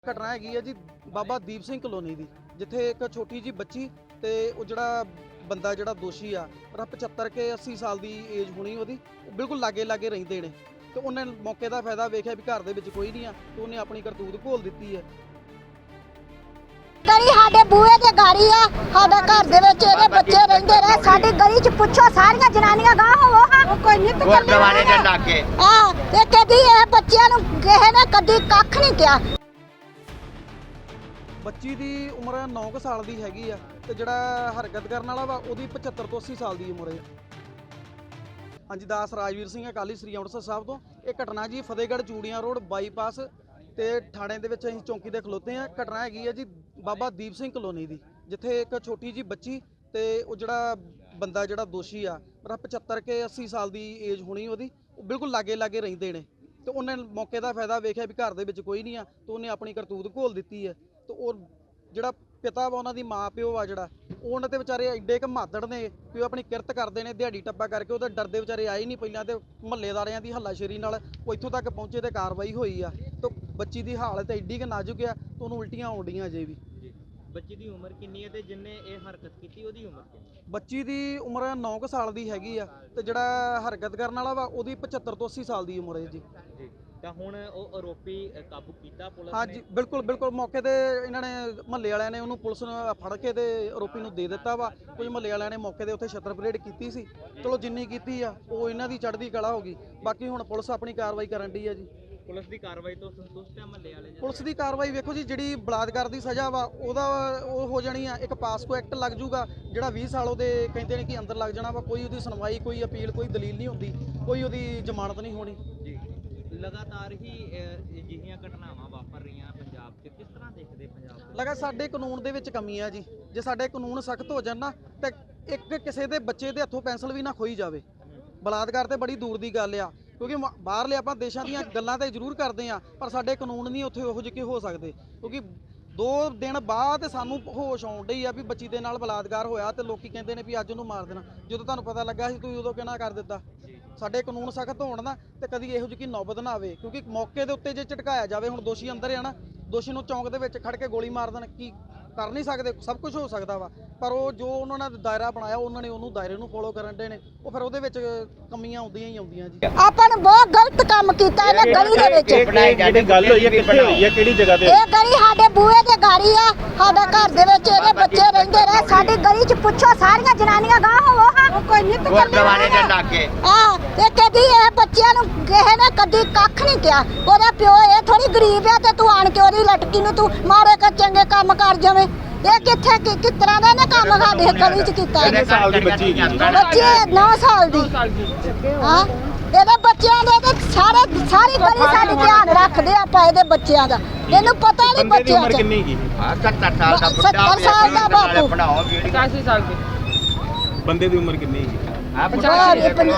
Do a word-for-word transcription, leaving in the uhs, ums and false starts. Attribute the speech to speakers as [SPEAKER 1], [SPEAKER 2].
[SPEAKER 1] ਘਟਨਾ ਹੈਗੀ ਹੈ ਜੀ ਬਾਬਾ ਦੀਪ ਸਿੰਘ ਕਲੋਨੀ ਦੀ, ਜਿੱਥੇ ਇੱਕ ਛੋਟੀ ਜੀ ਬੱਚੀ ਤੇ ਉਹ ਜਿਹੜਾ ਬੰਦਾ ਜਿਹੜਾ ਦੋਸ਼ੀ ਆ ਪਰ ਪਚੱਤਰ ਕੇ ਅੱਸੀ ਸਾਲ ਦੀ ਏਜ ਹੋਣੀ ਉਹਦੀ, ਉਹ ਬਿਲਕੁਲ ਲਾਗੇ ਲਾਗੇ ਰਹਿੰਦੇ ਨੇ ਤੇ ਉਹਨੇ ਮੌਕੇ ਦਾ ਫਾਇਦਾ ਵੇਖਿਆ ਵੀ ਘਰ ਦੇ ਵਿੱਚ ਕੋਈ ਨਹੀਂ ਆ ਤੇ ਉਹਨੇ ਆਪਣੀ ਕਰਤੂਤ ਘੋਲ ਦਿੱਤੀ ਹੈ।
[SPEAKER 2] ਗਲੀ ਸਾਡੇ ਬੂਹੇ ਤੇ ਗਾੜੀ ਆ, ਸਾਡੇ ਘਰ ਦੇ ਵਿੱਚ ਇਹਦੇ ਬੱਚੇ ਰਹਿੰਦੇ ਰਹੇ। ਸਾਡੀ ਗਲੀ 'ਚ ਪੁੱਛੋ ਸਾਰੀਆਂ ਜਨਾਨੀਆਂ ਗਾਹ ਹੋਵੋ ਹਾਂ ਕੋਈ ਨਿੱਤ
[SPEAKER 3] ਗੁਰਦੁਆਰੇ ਦੇ ਲਾਗੇ
[SPEAKER 2] ਆ ਤੇ ਕਦੀ ਇਹ ਬੱਚਿਆਂ ਨੂੰ ਕਿਸੇ ਨੇ ਕਦੀ ਕੱਖ ਨਹੀਂ ਕਿਹਾ।
[SPEAKER 1] ਬੱਚੀ ਦੀ ਉਮਰ ਨੌ ਕੁ ਸਾਲ ਦੀ ਹੈਗੀ ਆ ਤੇ ਜਿਹੜਾ ਹਰਕਤ ਕਰਨ ਵਾਲਾ ਵਾ ਉਹਦੀ ਪਚੱਤਰ ਤੋਂ ਅੱਸੀ ਸਾਲ ਦੀ ਉਮਰ ਹੈ। ਹਾਂਜੀ, ਦਾਸ ਰਾਜਵੀਰ ਸਿੰਘ ਅਕਾਲੀ ਸ੍ਰੀ ਅੰਮ੍ਰਿਤਸਰ ਸਾਹਿਬ ਤੋਂ। ਇਹ ਘਟਨਾ ਜੀ ਫਤਿਹਗੜ੍ਹ ਚੂੜੀਆਂ ਰੋਡ ਬਾਈਪਾਸ ਤੇ ਥਾਣੇ ਦੇ ਵਿੱਚ ਅਸੀਂ ਚੌਂਕੀ ਦੇ ਖਲੋਤੇ ਆ। ਘਟਨਾ ਹੈਗੀ ਹੈ ਜੀ ਬਾਬਾ ਦੀਪ ਸਿੰਘ ਕਲੋਨੀ ਦੀ, ਜਿੱਥੇ ਇੱਕ ਛੋਟੀ ਜੀ ਬੱਚੀ ਤੇ ਉਹ ਜਿਹੜਾ ਬੰਦਾ ਜਿਹੜਾ ਦੋਸ਼ੀ ਆ ਪਰ ਪਚੱਤਰ ਕੇ ਅੱਸੀ ਸਾਲ ਦੀ ਏਜ ਹੋਣੀ ਉਹਦੀ, ਉਹ ਬਿਲਕੁਲ ਲਾਗੇ ਲਾਗੇ ਰਹਿੰਦੇ ਨੇ ਤੇ ਉਹਨੇ ਮੌਕੇ ਦਾ ਫਾਇਦਾ ਵੇਖਿਆ ਵੀ ਘਰ ਦੇ ਵਿੱਚ ਕੋਈ ਨਹੀਂ ਆ ਤੇ ਉਹਨੇ ਆਪਣੀ ਕਰਤੂਤ ਘੋਲ ਦਿੱਤੀ ਹੈ। ਤੇ ਉਹ ਜਿਹੜਾ ਪਿਤਾ ਵਾ ਉਹਨਾਂ ਦੀ ਮਾਂ ਪਿਓ ਆ ਜਿਹੜਾ ਉਹ ਉਹਨਾਂ ਦੇ ਵਿਚਾਰੇ ਐਡੇ ਕ ਮਾਦੜ ਨੇ ਕਿ ਉਹ ਆਪਣੀ ਕਿਰਤ ਕਰਦੇ ਨੇ ਦਿਹਾੜੀ ਟੱਪਾ ਕਰਕੇ, ਉਹਦੇ ਡਰਦੇ ਵਿਚਾਰੇ ਆਏ ਨਹੀਂ ਪਹਿਲਾਂ ਤੇ ਮਹੱਲੇਦਾਰਿਆਂ ਦੀ ਹੱਲਾਸ਼ੇਰੀ ਨਾਲ ਉਹ ਇੱਥੋਂ ਤੱਕ ਪਹੁੰਚੇ ਤੇ ਕਾਰਵਾਈ ਹੋਈ ਆ। ਤੇ ਬੱਚੀ ਦੀ ਹਾਲਤ ਐਡੀ ਕ ਨਾਜ਼ੁਕ ਆ ਤੇ ਉਹਨੂੰ ਉਲਟੀਆਂ ਆਉਂਦੀਆਂ ਅਜੇ ਵੀ।
[SPEAKER 4] ਬੱਚੀ ਦੀ ਉਮਰ ਕਿੰਨੀ ਹੈ ਤੇ ਜਿੰਨੇ ਇਹ ਹਰਕਤ ਕੀਤੀ ਉਹਦੀ ਉਮਰ ਕਿੰਨੀ?
[SPEAKER 1] ਬੱਚੀ ਦੀ ਉਮਰ ਨੌ ਕੁ ਸਾਲ ਦੀ ਹੈਗੀ ਆ ਤੇ ਜਿਹੜਾ ਹਰਕਤ ਕਰਨ ਵਾਲਾ ਵਾ ਉਹਦੀ ਪਚੱਤਰ ਤੋਂ ਅੱਸੀ ਸਾਲ ਦੀ ਉਮਰ ਹੈ ਜੀ।
[SPEAKER 4] ਜੀ ਤਾਂ ਹੁਣ ਉਹ ਆਰੋਪੀ ਕਾਬੂ ਕੀਤਾ ਪੁਲਿਸ ਨੇ?
[SPEAKER 1] ਹਾਂਜੀ ਬਿਲਕੁਲ ਬਿਲਕੁਲ, ਮੌਕੇ ਤੇ ਇਹਨਾਂ ਨੇ ਮਹੱਲੇ ਵਾਲਿਆਂ ਨੇ ਉਹਨੂੰ ਪੁਲਿਸ ਨੂੰ ਫੜ ਕੇ ਤੇ ਆਰੋਪੀ ਨੂੰ ਦੇ ਦਿੱਤਾ ਵਾ। ਕੁਝ ਮਹੱਲੇ ਵਾਲਿਆਂ ਨੇ ਮੌਕੇ ਦੇ ਉੱਤੇ ਛੱਤਰ ਪਰੇਡ ਕੀਤੀ ਸੀ, ਚਲੋ ਜਿੰਨੀ ਕੀਤੀ ਆ ਉਹ ਇਹਨਾਂ ਦੀ ਚੜ੍ਹਦੀ ਕਲਾ ਹੋ ਗਈ। ਬਾਕੀ ਹੁਣ ਪੁਲਿਸ ਆਪਣੀ ਕਾਰਵਾਈ ਕਰਨ ਡਈ ਆ ਜੀ।
[SPEAKER 4] ਪੁਲਿਸ ਦੀ ਕਾਰਵਾਈ ਤੋਂ ਸੰਤੁਸ਼ਟ ਹੈ ਮਹੱਲੇ ਵਾਲੇ?
[SPEAKER 1] ਪੁਲਿਸ ਦੀ ਕਾਰਵਾਈ ਵੇਖੋ ਜੀ, ਜਿਹੜੀ ਬਲਾਤਕਾਰ ਦੀ ਸਜ਼ਾ ਵਾ ਉਹਦਾ ਉਹ ਹੋ ਜਾਣੀ ਆ, ਇੱਕ ਪਾਸਕੋ ਐਕਟ ਲੱਗ ਜੂਗਾ ਜਿਹੜਾ ਵੀਹ ਸਾਲ ਉਹਦੇ ਕਹਿੰਦੇ ਨੇ ਕਿ ਅੰਦਰ ਲੱਗ ਜਾਣਾ ਵਾ। ਕੋਈ ਉਹਦੀ ਸੁਣਵਾਈ, ਕੋਈ ਅਪੀਲ, ਕੋਈ ਦਲੀਲ ਨਹੀਂ ਹੁੰਦੀ, ਕੋਈ ਉਹਦੀ ਜ਼ਮਾਨਤ ਨਹੀਂ ਹੋਣੀ
[SPEAKER 4] ਜੀ। ਲਗਾਤਾਰ ਹੀ ਅਜਿਹੀਆਂ ਘਟਨਾਵਾਂ ਵਾਪਰ ਰਹੀਆਂ ਪੰਜਾਬ 'ਚ, ਕਿਸ ਤਰ੍ਹਾਂ ਦੇਖਦੇ ਪੰਜਾਬ?
[SPEAKER 1] ਲਗਾ ਸਾਡੇ ਕਾਨੂੰਨ ਦੇ ਵਿੱਚ ਕਮੀ ਆ ਜੀ। ਜੇ ਸਾਡੇ ਕਾਨੂੰਨ ਸਖਤ ਹੋ ਜਾਣ ਨਾ ਤੇ ਇੱਕ ਕਿਸੇ ਦੇ ਬੱਚੇ ਦੇ ਹੱਥੋਂ ਪੈਨਸਲ ਵੀ ਨਾ ਖੋਈ ਜਾਵੇ। ਬਲਾਤਕਾਰ ਤੇ ਬੜੀ ਦੂਰ ਦੀ ਗੱਲ ਆ, ਕਿਉਂਕਿ ਬਾਹਰਲੇ ਆਪਾਂ ਦੇਸ਼ਾਂ ਦੀਆਂ ਗੱਲਾਂ ਤਾਂ ਜ਼ਰੂਰ ਕਰਦੇ ਆ ਪਰ ਸਾਡੇ ਕਾਨੂੰਨ ਨਹੀਂ ਉੱਥੇ ਉਹੋ ਜਿਹੇ ਹੋ ਸਕਦੇ। ਕਿਉਂਕਿ ਦੋ ਦਿਨ ਬਾਅਦ ਸਾਨੂੰ ਹੋਸ਼ ਆਉਣ ਡਈ ਆ ਵੀ ਬੱਚੀ ਦੇ ਨਾਲ ਬਲਾਤਕਾਰ ਹੋਇਆ ਤੇ ਲੋਕੀ ਕਹਿੰਦੇ ਨੇ ਵੀ ਅੱਜ ਉਹਨੂੰ ਮਾਰ ਦੇਣਾ। ਜਦੋਂ ਤੁਹਾਨੂੰ ਪਤਾ ਲੱਗਾ ਸੀ ਤੁਸੀਂ ਉਦੋਂ ਕਿਹਨਾਂ ਕਰ ਦਿੱਤਾ? ਸਾਡੇ ਕਾਨੂੰਨ ਸਖਤ ਹੋਣ ਨਾ ਤੇ ਕਦੀ ਇਹੋ ਜਿਹੀ ਨੌਬਤ ਨਾ ਆਵੇ, ਕਿਉਂਕਿ ਮੌਕੇ ਦੇ ਉੱਤੇ ਜੇ ਝਟਕਾਇਆ ਜਾਵੇ, ਹੁਣ ਦੋਸ਼ੀ ਅੰਦਰ ਆ ਨਾ, ਦੋਸ਼ੀ ਨੂੰ ਚੌਂਕ ਦੇ ਵਿੱਚ ਖੜ ਕੇ ਗੋਲੀ ਮਾਰ ਦੇਣ, ਕੀ ਕਰ ਨਹੀਂ ਸਕਦੇ, ਸਭ ਕੁਝ ਹੋ ਸਕਦਾ ਵਾ। ਪਰ ਉਹ ਜੋ ਉਹਨਾਂ ਨੇ ਦਾਇਰਾ ਬਣਾਇਆ ਉਹਨਾਂ ਨੇ ਉਹਨੂੰ ਦਾਇਰੇ ਨੂੰ ਫੋਲੋ ਕਰਨ ਦੇ ਨੇ, ਉਹ ਫਿਰ ਉਹਦੇ ਵਿੱਚ ਕਮੀਆਂ ਆਉਂਦੀਆਂ ਹੀ ਆਉਂਦੀਆਂ ਜੀ।
[SPEAKER 2] ਆਪਾਂ ਨੂੰ ਬਹੁਤ ਗਲਤ ਕੰਮ ਕੀਤਾ ਇਹਨੇ ਗਲੀ ਦੇ ਵਿੱਚ।
[SPEAKER 3] ਜਿਹੜੀ ਗੱਲ ਹੋਈ ਹੈ ਕਿੱਥੇ ਹੋਈ ਹੈ, ਕਿਹੜੀ ਜਗ੍ਹਾ ਤੇ?
[SPEAKER 2] ਇਹ ਗਲੀ ਸਾਡੇ ਬੂਹੇ ਤੇ ਗਾੜੀ ਆ, ਸਾਡੇ ਘਰ ਦੇ ਵਿੱਚ ਇਹਦੇ ਬੱਚੇ ਰਹਿੰਦੇ ਰਹੇ। ਸਾਡੀ ਗਲੀ 'ਚ ਪੁੱਛੋ ਸਾਰੀਆਂ ਜਨਾਨੀਆਂ ਗਾਹ ਹੋਵੋ ਹਾਂ ਕੋਈ ਨਿੱਤ
[SPEAKER 3] ਗੁਰਦੁਆਰੇ ਦੇ ਲਾਗੇ
[SPEAKER 2] ਆ ਤੇ ਕਦੀ ਇਹ ਬੱਚਿਆਂ ਨੂੰ ਕਿਸੇ ਨੇ ਕਦੀ ਕੱਖ ਨਹੀਂ ਕਿਹਾ। ਉਹਦਾ ਪਿਓ ਇਹ ਥੋੜੀ ਗਰੀਬ ਆ ਤੇ ਤੂੰ ਆਣ ਕੇ ਉਹਦੀ ਲਟਕੀ ਨੂੰ ਤੂੰ ਮਾਰੇ ਕਰ ਚੰਗੇ ਕੰਮ ਕਰ ਜਾਵੇਂ। ਇਹ ਕਿੱਥੇ ਕਿਸ ਤਰ੍ਹਾਂ ਦਾ ਇਹਨੇ ਕੰਮ ਸਾਡੇ ਗਲੀ 'ਚ ਕੀਤਾ?
[SPEAKER 3] ਕਿੰਨੇ ਸਾਲ ਦੀ ਬੱਚੀ ਹੈਗੀ?
[SPEAKER 2] ਬੱਚੇ ਨੌ ਸਾਲ ਦੀ। ਹਾਂ, ਇਹਦੇ ਬੱਚਿਆਂ ਦੇ ਤੇ ਸਾਰੇ ਸਾਰੀ ਗਲੀ ਸਾਡੀ ਧਿਆਨ ਰੱਖਦੇ ਆਪਾਂ ਇਹਦੇ ਬੱਚਿਆਂ ਦਾ। ਇਹਨੂੰ ਪਤਾ ਨਹੀਂ ਬੱਚਿਆਂ
[SPEAKER 3] ਉਮਰ
[SPEAKER 2] ਦਾ।
[SPEAKER 3] ਕਿੰਨੀ ਹੈਗੀ? ਹਾਂ ਸੱਤਰ ਸਾਲ ਦਾ ਬੁੱਢਾ,
[SPEAKER 2] ਸੱਤਰ ਸਾਲ ਦਾ ਬਾਪੂ।
[SPEAKER 3] ਬਣਾਓ ਵੀਡੀਓ।
[SPEAKER 5] ਪਚਾਸੀ ਸਾਲ ਦੀ।
[SPEAKER 3] ਬੰਦੇ ਦੀ ਉਮਰ ਕਿੰਨੀ ਹੈਗੀ?
[SPEAKER 2] ਪਚਾਸੀ